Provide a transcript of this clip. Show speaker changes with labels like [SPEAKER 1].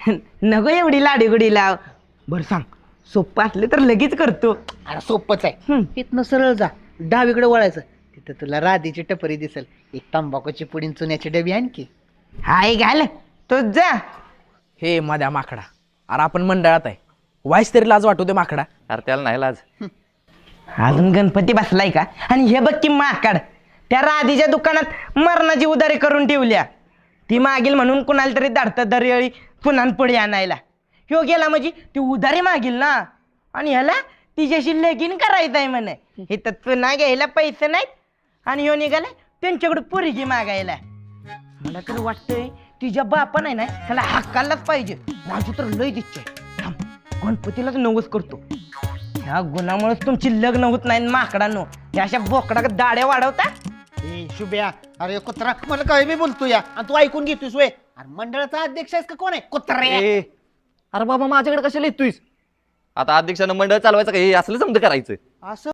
[SPEAKER 1] नको एवढी लाडीगुडी लाव. बरं सांग, सोपं असलं तर लगेच करतो.
[SPEAKER 2] अरे सोपंच आहे. इथनं सरळ जा, डावीकडे वळायचं. तिथं तुला राधीची टपरी दिसेल. एक तंबाखूची पुडी आणि चुन्याची डबी आणखी.
[SPEAKER 1] हाय घाल तो जा.
[SPEAKER 3] हे माझ्या माकडा, अरे आपण मंडळात आहे, वाईस तरी लाज वाटू दे माकडा.
[SPEAKER 4] अरे त्याला नाही लाज.
[SPEAKER 1] अजून गणपती बसलाय का? आणि हे बघ की माकड, त्या राधीच्या दुकानात मरणाची उधारी करून ठेवल्या. ती मागील म्हणून कुणाला तरी धाडतं दरवेळी पुन्हा पुढे आणायला. ह्यो गेला म्हणजे ती उधारी मागील ना, आणि ह्याला तिच्याशी लगीन करायचं आहे म्हणे. हे तर पुन्हा घ्यायला पैसे नाहीत, आणि ह्यो निघाला त्यांच्याकडे पोरगी मागायला. मला तर वाटतंय तिच्या बापा नाही ना त्याला हाकायलाच पाहिजे. माझी तर लय इच्छा आहे. थांब, गणपतीलाच नवस करतो. ह्या गुणामुळेच तुमची लग्न होत नाही माकडांनो. या अशा बोकडा दाड्या वाढवता.
[SPEAKER 2] ए शुभ्या, अरे कुत्रा, मला काय मी बोलतो या आणि तू ऐकून घेतोस वे. अरे मंडळाचा अध्यक्ष आहेस का कोण आहे कुत्रा?
[SPEAKER 4] अरे बाबा माझ्याकडे कशाला येतोयस? आता अध्यक्षानं मंडळ चालवायचं का हे असलं समजा करायचं?
[SPEAKER 2] असं